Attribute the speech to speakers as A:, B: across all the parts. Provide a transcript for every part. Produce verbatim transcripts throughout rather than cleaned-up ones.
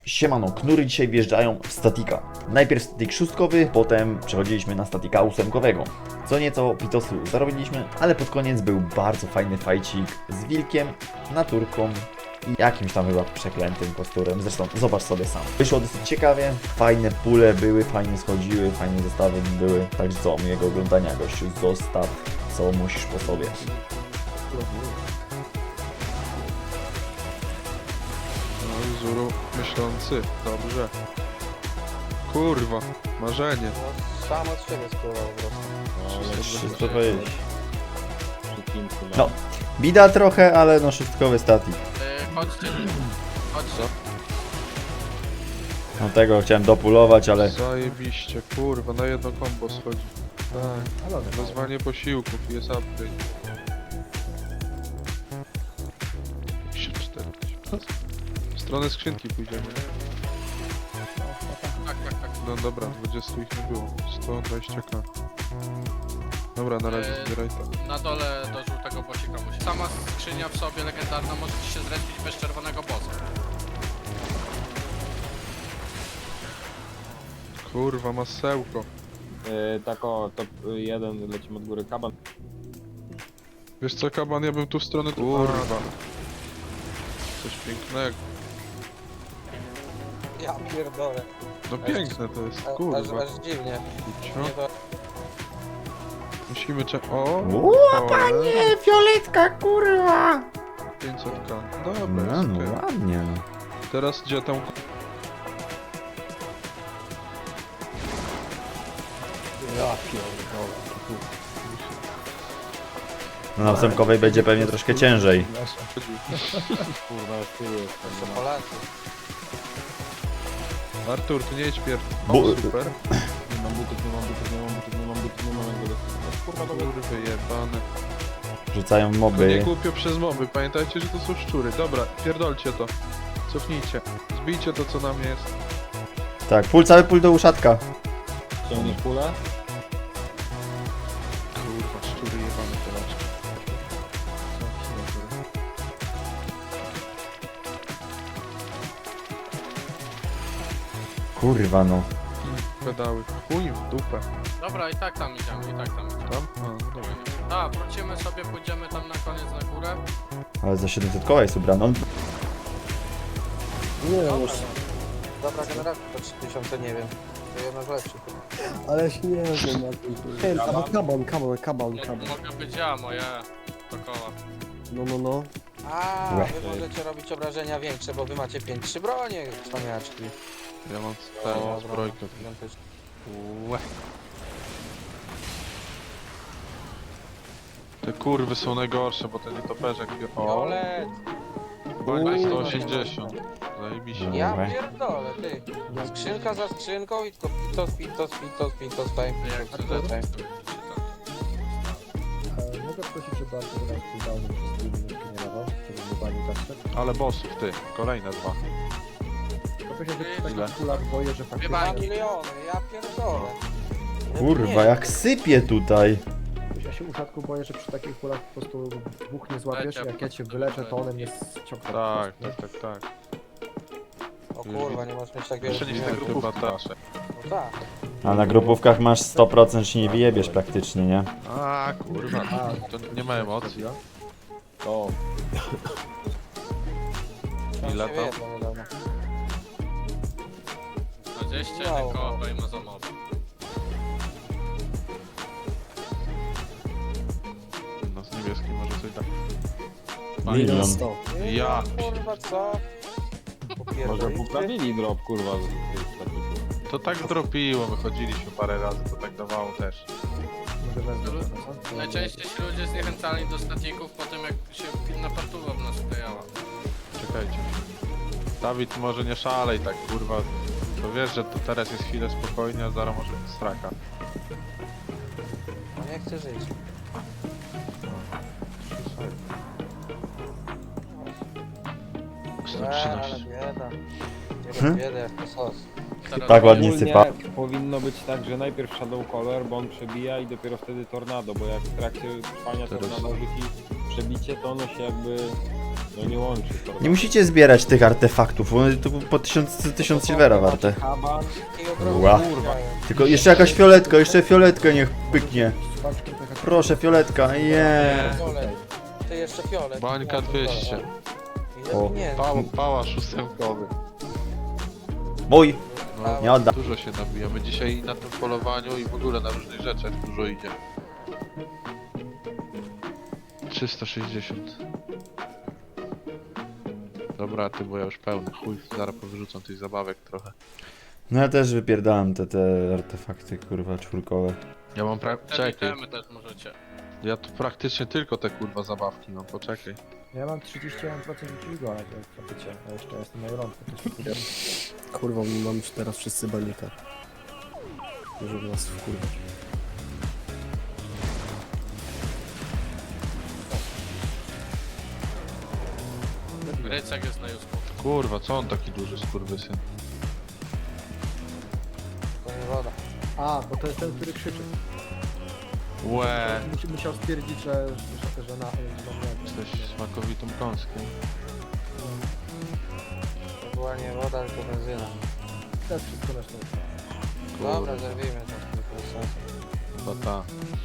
A: Siemano, knury dzisiaj wjeżdżają w statika. Najpierw statik szóstkowy, potem przechodziliśmy na statika ósemkowego. Co nieco pitosu zarobiliśmy, ale pod koniec był bardzo fajny fajcik z wilkiem, naturką i jakimś tam chyba przeklętym kosturem. Zresztą zobacz sobie sam. Wyszło dosyć ciekawie, fajne pule były, fajnie schodziły, fajne zestawy były. Także co, miłego oglądania, gościu, zostaw co musisz po sobie.
B: No, Zuru myślący, dobrze. Kurwa, marzenie.
C: No, sam od siebie spływał po prostu.
A: Wszystko powiedzieć. No, bida trochę, ale no szóstkowy statik.
D: Yy, chodźcie, chodźcie.
A: No tego chciałem dopulować, ale
B: Zajebiście, kurwa, na jedno kombo schodzi. Tak, wezwanie posiłków i jest upgrade. pięćdziesiąt cztery tysiące. W stronę skrzynki pójdziemy.
D: Tak, tak, tak.
B: No dobra, dwadzieścia ich nie było. sto dwadzieścia k. Dobra, na razie
D: Eee,
B: zbieraj to.
D: Na dole do żółtego bosika musi. Sama skrzynia w sobie legendarna może ci się zrespić bez czerwonego bossa.
B: Kurwa, masełko.
E: Yy, tak o, top jeden lecimy od góry, kaban.
B: Wiesz co, kaban, ja bym tu w stronę... Kurwa. Coś pięknego.
C: Ja pierdolę.
B: No piękne to jest,
C: A- Aż,
B: kurwa.
C: aż dziwnie.
B: Kurczę.
C: Nie to...
B: Musimy cze... O!
A: Ło, panie, fioletka, kurwa!
B: pięćset k. Dobra,
A: No,
B: jest
A: no
B: okej.
A: ładnie. No.
B: Teraz gdzie tą...
C: Ja pierdolę.
A: No na ósemkowej będzie pewnie troszkę ciężej.
E: Kurwa, z tyłu jest.
C: To Polacy.
B: Artur, ty nie jedź pier... O,
A: Bu-
B: super.
E: Nie mam butów, nie mam butów, nie mam butów, nie mam butów, nie mam jak go dostać. Kurwa, dobra.
B: Kurwy jebane.
A: Rzucają
B: To nie
A: moby.
B: głupio przez moby, pamiętajcie, że to są szczury. Dobra, pierdolcie to. Cofnijcie. Zbijcie to, co na mnie jest.
A: Tak, pól, cały pól do uszatka.
E: Ciągniesz kulę?
B: Kurwa, szczury jebane polaczki.
A: Kurwa no.
B: Pedały. Chuj w dupę.
D: Dobra, i tak tam idziemy, i tak tam idziemy.
B: Tam? A, no dobra.
D: Tak, wrócimy sobie, pójdziemy tam na koniec na górę.
A: Ale za siedemset koła jest ubrano.
C: Nie no już. Dobra, generator to trzy tysiące, nie wiem. To jedna z lepszych.
F: Ale się nie wiem na tym. Ale kaban, kaban, kaban,
D: Mo-
F: kaban.
D: Mogę być ja, moje dokoła.
F: No, no, no.
C: A,
A: Łe.
C: wy możecie robić obrażenia większe, bo wy macie pięć trzy bronie, cwaniaczki.
B: Ja mam
C: Dobra,
B: tę zbrojkę.
C: gigantyczne.
B: Łe. Te kurwy są najgorsze, bo ten nietoperzek... O,
C: Violet!
B: bańka
C: Uuu.
B: sto osiemdziesiąt. Zajebiście.
A: No.
C: Ja
A: Dobra.
C: pierdolę, ty. Skrzynka za skrzynką i tylko pitos, pitos, pitos, pitos, time,
D: Jak
C: pitos,
D: to
C: pitos, time.
F: E, mogę prosić, żeby Artur cooldowny przez dwie minutki nie dawał, żeby mu pani kasę?
B: Ale bossów, ty. Kolejne dwa.
F: Bo się, że przy
B: Ile?
F: takich kulach boję, że faktycznie...
C: Dwa
D: Bajki.
C: miliony, ja pierdolę.
A: Kurwa, jak sypie tutaj.
F: Ja się uszatku boję, że przy takich kulach po prostu dwóch nie złapiesz,
D: Lecie.
F: jak ja cię wyleczę, to one mnie ściągną.
B: Tak, tak, tak, tak.
C: O kurwa, nie możesz mieć tak wiele
B: Jeszcze niż te
C: pieniędzy.
B: chyba tasze.
C: No tak.
A: A na grupówkach masz sto procent, się nie wyjebiesz praktycznie, nie?
B: A kurwa, to nie ma emocji.
E: O,
B: Ile
C: Się
B: tam?
C: wyjedło niedawno.
D: dwadzieścia
C: Wow.
D: jeden koła dajmy za mob.
B: No z niebieskim może coś tak.
A: Milion.
F: sto.
C: Nie,
B: Ja.
C: Kurwa, co?
E: może
C: Popierdolicie?
E: poprawili drop, kurwa, z tych statyków.
B: To tak dropiło, wychodziliśmy parę razy, to tak dawało też.
F: Może wezmę
D: Lu-
F: to, co?
D: Najczęściej się ludzie zniechęcali do statików po tym, jak się inna partuwa w nas wklejała.
B: Czekajcie. Dawid, może nie szalej tak, kurwa. To wiesz, że to teraz jest chwilę spokojnie, a zaraz może być straka.
C: No nie chcę żyć.
B: sto
C: Eee, ale
B: trzynaście.
C: bieda. Nie
A: Hmm?
C: hmm? bieda, jak to sos.
D: Teraz
A: Tak ładnie
E: Ogólnie
A: sypa.
E: powinno być tak, że najpierw Shadow Color, bo on przebija i dopiero wtedy Tornado, bo jak w trakcie trwania
B: Teraz-
E: Tornado rzuci przebicie, to ono się jakby No nie łączy. kurwa.
A: Nie musicie zbierać tych artefaktów, one to po tysiąc, tysiąc silvera warte.
F: Kaban,
C: I obroty
A: Ła.
C: kurwa.
A: Tylko jeszcze jakaś fioletka, jeszcze fioletkę niech pyknie.
F: paczkę P H P.
A: Proszę, fioletka, je.
C: Fiolet. Ty jeszcze fiolet.
B: Bańka dwieście.
A: O.
C: Nie,
B: Pa, pałasz ósemkowy.
A: Mój.
B: No,
A: Nie odda.
B: dużo się nabijamy. Dzisiaj na tym polowaniu i w ogóle na różnych rzeczach dużo idzie. trzysta sześćdziesiąt. Dobra, ty, bo ja już pełny. Chuj, zaraz powyrzucam tych zabawek trochę.
A: No ja też wypierdałem te, te artefakty, kurwa, czwórkowe.
B: Ja mam pra...
D: Te
B: Czekaj.
D: itemy też możecie.
B: Ja tu praktycznie tylko te kurwa zabawki mam, poczekaj.
F: Ja mam trzydzieści jeden procent dźwigu, ale to zapycie. A jeszcze jestem na Euronku, to się kupię.
G: Kurwa, mamy już teraz wszyscy banika. Żeby nas wkurwać.
D: Rycek jest na Jusku.
B: Kurwa, co on taki duży skurwysyn?
C: to nie woda.
F: A, bo to jest ten, który krzyczy.
B: Łe,
F: Musi, musiał stwierdzić, że, że, że na... Że na
B: jesteś smakowitą kąską.
C: To była nie woda, tylko benzyna.
F: To jest wszystko na szczęście.
C: Dobra, zerwijmy to, to jest sens.
B: Chyba ta.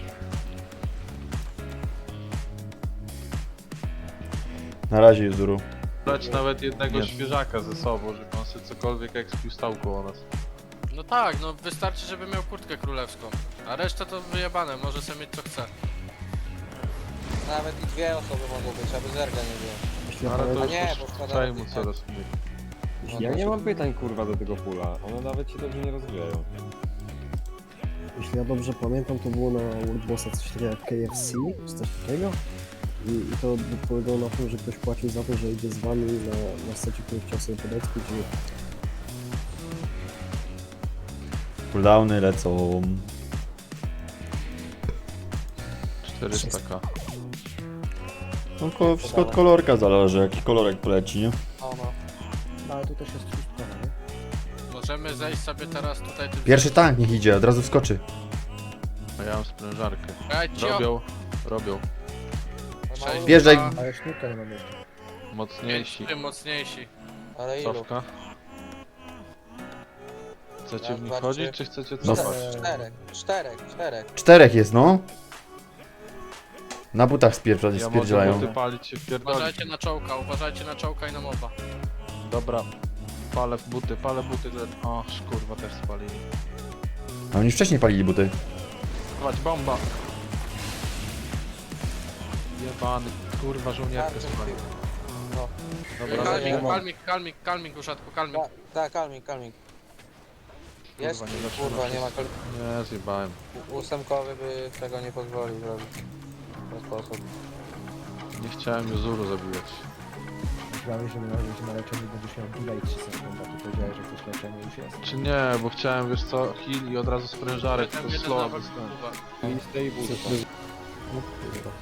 A: Na razie, Juzuru.
B: Brać nawet jednego
A: Nie.
B: świeżaka ze sobą, żeby on sobie cokolwiek ekspił stał koło nas.
D: No tak, no wystarczy, żeby miał kurtkę królewską. A resztę to wyjebane, może sobie mieć co chce.
C: Nawet i dwie osoby mogą być, aby zerga nie było.
G: Jeśli ja,
B: Ale
G: pamię-
B: to
C: A nie,
B: już
C: bo
B: po
C: składamy
B: czaj mu
C: tych-
B: coraz mniej.
C: No
E: Ja
C: to
E: nie
C: się-
E: mam pytań kurwa do tego pula. One nawet się dobrze nie rozwijają.
G: jeśli ja dobrze pamiętam, to było na World Bossa coś takiego jak K F C, czy coś takiego. I, I to polegało na tym, że ktoś płacił za to, że idzie z wami na, na secie, który chciał sobie podekspić i
A: Cooldowny lecą.
B: czterysta ka.
A: No, ko- wszystko od kolorka zależy, jaki kolorek poleci, nie?
C: No, no.
F: No ale tu też jest szóstka, nie?
D: Możemy zejść sobie teraz tutaj tym...
A: Pierwszy tank niech idzie, od razu wskoczy.
B: A ja mam sprężarkę.
D: Ej, cio!
B: Robią, robią.
D: Sześć,
A: Wjeżdżaj.
D: dwa,
F: Ale sznurka nie mam jeszcze.
D: pięć,
B: Mocniejsi.
D: tym mocniejsi.
C: Ale ilu?
B: Cofka. Chcecie
C: Raz,
B: w nich
C: dwa,
B: chodzić,
C: trzy.
B: czy chcecie
A: No.
B: cofać?
C: Czterech, czterech, czterech.
A: Czterech jest, no. Na butach spierdzia-
B: Ja mogę
A: spierdzielają.
B: buty palić się wpierdolić.
D: Uważajcie na czołka, uważajcie na czołka i na moba.
B: Dobra. Palę w buty, palę buty. te- O, kurwa, też spalili.
A: A oni wcześniej palili buty.
B: Dawać bomba. Jebany, kurwa, żołnierkę
C: Tarczę
B: spalił.
C: No.
B: Dobra,
C: Kalmik,
B: lecimy.
D: Kalmik, kalmik, kalmik, kalmik, uszatku, kalmik.
C: Tak, tak, kalmik, kalmik. Jest?
B: Kurwa, nie zaczyna
C: Kurwa,
B: się.
C: nie ma kal...
B: Nie, zjebałem.
C: Ósemkowy by tego nie pozwolił zrobić. W ten sposób.
B: Nie chciałem Juzuru zabijać.
F: Myślałem, że na, że na leczeniu będziesz miał delay trzy sekundy, a ty powiedziałeś, że coś leczenie już jest.
B: Czy nie, bo chciałem, wiesz co, heal i od razu sprężarek,
D: Tam
B: tylko
D: jeden
B: slow
D: nawet,
B: dostałem.
D: kurwa.
E: Clean stable.
G: no kurwa.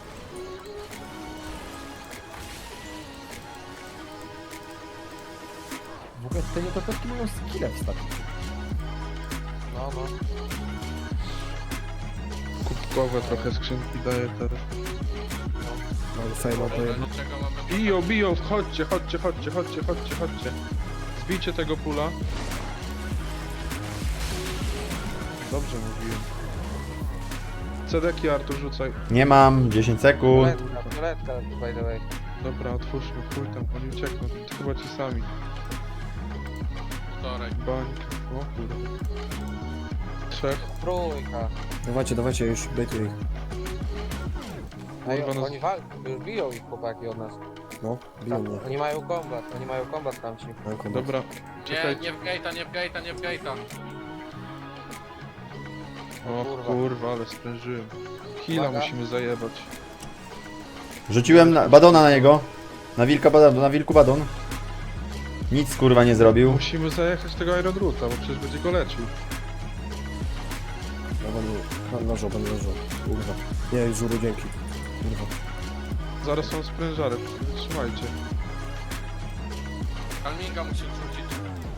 F: W ogóle te nietoperki mają skille w stacji.
C: No, no.
B: Kubkowe trochę skrzynki daje teraz.
G: Mam fejma to jedno.
D: Dlaczego mamy...
B: Biją, biją, chodźcie, chodźcie, chodźcie, chodźcie, chodźcie, chodźcie. Zbijcie tego pula. Dobrze mówiłem. Cedeki, Artur, rzucaj.
A: Nie mam, dziesięć sekund.
C: Fioletka, fioletka, by the way.
B: Dobra, otwórzmy, chuj tam, oni uciekną, to chyba ci sami.
D: Wtorek.
B: Bańka, o kurde. Trzech,
C: Trójka.
G: Dawajcie, dawajcie, już bejtuję ich.
C: Ej,
B: Kurwa, no-
C: oni walczą, już biją ich chłopaki od nas.
G: No, biją mnie.
C: Oni mają kombat, oni mają kombat tamci.
G: Mam kombat.
B: dobra,
D: Nie,
B: czekajcie.
D: nie w gate'a, nie w gate'a, nie w gate'a.
B: O
C: kurwa.
B: kurwa, ale sprężyłem. Hila
C: Uwaga.
B: musimy zajebać.
A: Rzuciłem na, badona na niego. Na wilka badon, na wilku badon. Nic kurwa nie zrobił.
B: Musimy zajechać tego Iron Roota, bo przecież będzie go leczył.
G: Ja będę leżał, będę leżał. Kurwa. Nie, już żuru, dzięki. Kurwa.
B: Zaraz są sprężary, trzymajcie.
D: Kalminga musi wrzucić.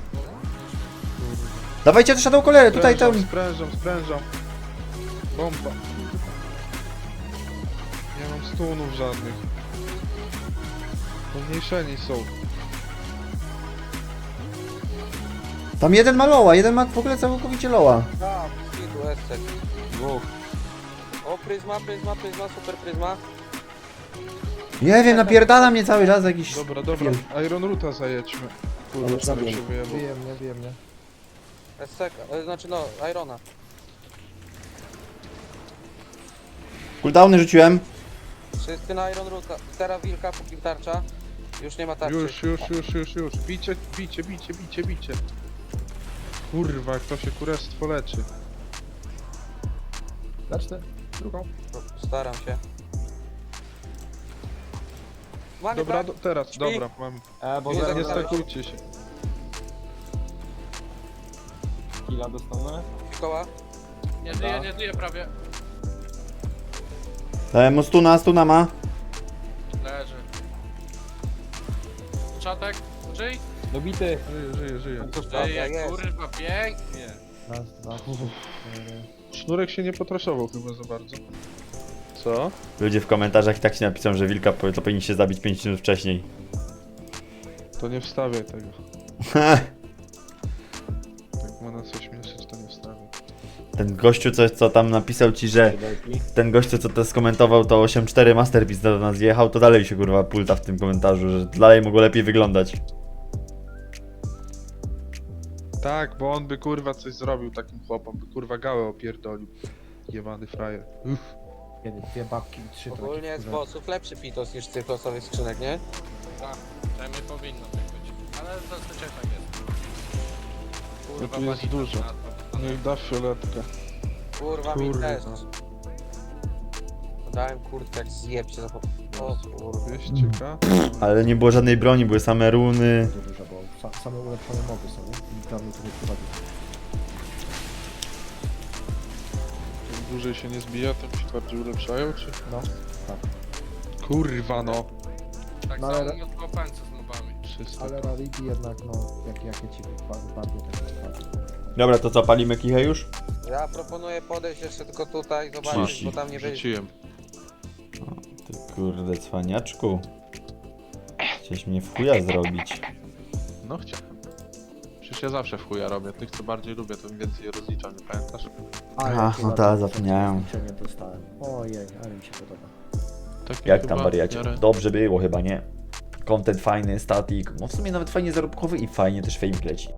A: Dawajcie te Shadow Colery, tutaj tam.
B: Sprężam, sprężam, sprężam. Bomba. Nie mam stunów żadnych. Pomniejszeni są.
A: Tam jeden ma loła, jeden ma w ogóle całkowicie loła.
C: A, skidu, estek.
B: Dwóch.
C: O, pryzma, pryzma, pryzma, super pryzma.
A: Nie wiem, napierdala mnie cały czas jakiś...
B: Dobra, dobra. Iron Ruta zajedźmy.
G: Ale
B: Kurwa,
G: zabiję.
B: człowiek się wyjebał.
F: Bije mnie, bije mnie.
C: Estek, e, znaczy no, Irona.
A: Cooldowny rzuciłem.
C: Wszyscy na Iron Ruta. Teraz wilka, póki tarcza. Już nie ma tarczy.
B: Już, już, już, już, już. Bicie, bicie, bicie, bicie, bicie. Kurwa, jak to się kurestwo leczy.
F: Zacznę. Drugą.
C: Staram się. Mamy
B: Dobra,
C: tak?
B: do, teraz,
C: Śpi?
B: dobra, mam.
E: E, bo
C: Nie
E: zaraz
B: Nie
C: zagrałeś.
B: stakujcie się.
E: killa dostanę.
C: Mikoła.
D: Nie żyje, nie żyje prawie.
A: Dałem mu stuna, stuna ma.
D: Leży. Czatek, żyj?
E: Dobity.
B: Żyje, żyje, żyje.
D: Żyje,
C: jest.
D: kurwa, pięknie.
F: Raz, dwa, cztery.
B: Sznurek się nie potraszował chyba za bardzo. Co?
A: Ludzie w komentarzach i tak się napiszą, że wilka po- to powinni się zabić pięć minut wcześniej.
B: To nie wstawiaj tego. Jak ma nas ośmieszyć, to nie wstawiaj.
A: Ten gościu, co, co tam napisał ci, że... Ten gościu, co to skomentował, to osiem cztery Masterpiece do nas jechał, to dalej się kurwa pulta w tym komentarzu, że dalej mogło lepiej wyglądać.
B: Tak, bo on by kurwa coś zrobił takim chłopom, by kurwa gałę opierdolił. Jebany frajer. Uff.
F: Kiedy dwie babki i trzy
C: Ogólnie
F: traki,
C: z
F: kurwa.
C: bossów lepszy pitos niż z tych losowych skrzynek, nie?
D: Tak, przynajmniej powinno tak być. Ale zazwyczaj tak jest.
B: No tu jest
D: banita
B: dużo.
D: na to.
B: Niech da fioletkę.
C: Kurwa, mi
B: Kurwa.
C: też. Dałem kurtkę jak zjeb się za po... O kurwa.
B: dwieście ka?
A: Ale nie było żadnej broni, były same runy.
F: Bardzo dużo, bo sa, same ulepszone moby są, nie? I tam mi to nie prowadzi.
B: Im dłużej się nie zbija, tym się bardziej ulepszają, czy?
F: No, tak.
B: Kurwa no.
D: Tak
F: No,
D: samo
F: ale-
D: mówiąc o opęce z mobami.
B: trzysta.
F: Ale rarity jednak, no, jakie, jakie ci wypadły, wypadły, tak wypadły.
A: Dobra, to co, palimy kichę już?
C: Ja proponuję podejść jeszcze tylko tutaj, zobaczyć,
A: trzydzieści.
C: bo tam nie będzie.
B: Rzuciłem.
A: Ty kurde cwaniaczku. Chciałeś mnie w chuja zrobić.
B: No chciałem. Przecież ja zawsze w chuja robię. Tych co bardziej lubię, to im więcej je rozliczam, nie pamiętasz?
A: Ach, no tak, zapomniałem.
F: Nie dostałem. Ojej, ale mi się podoba.
B: Takie
A: Jak
B: chyba
A: tam wariacie?
B: w miarę-
A: Dobrze było chyba, nie? Content fajny, static. No w sumie nawet fajnie zarobkowy i fajnie też fame leci.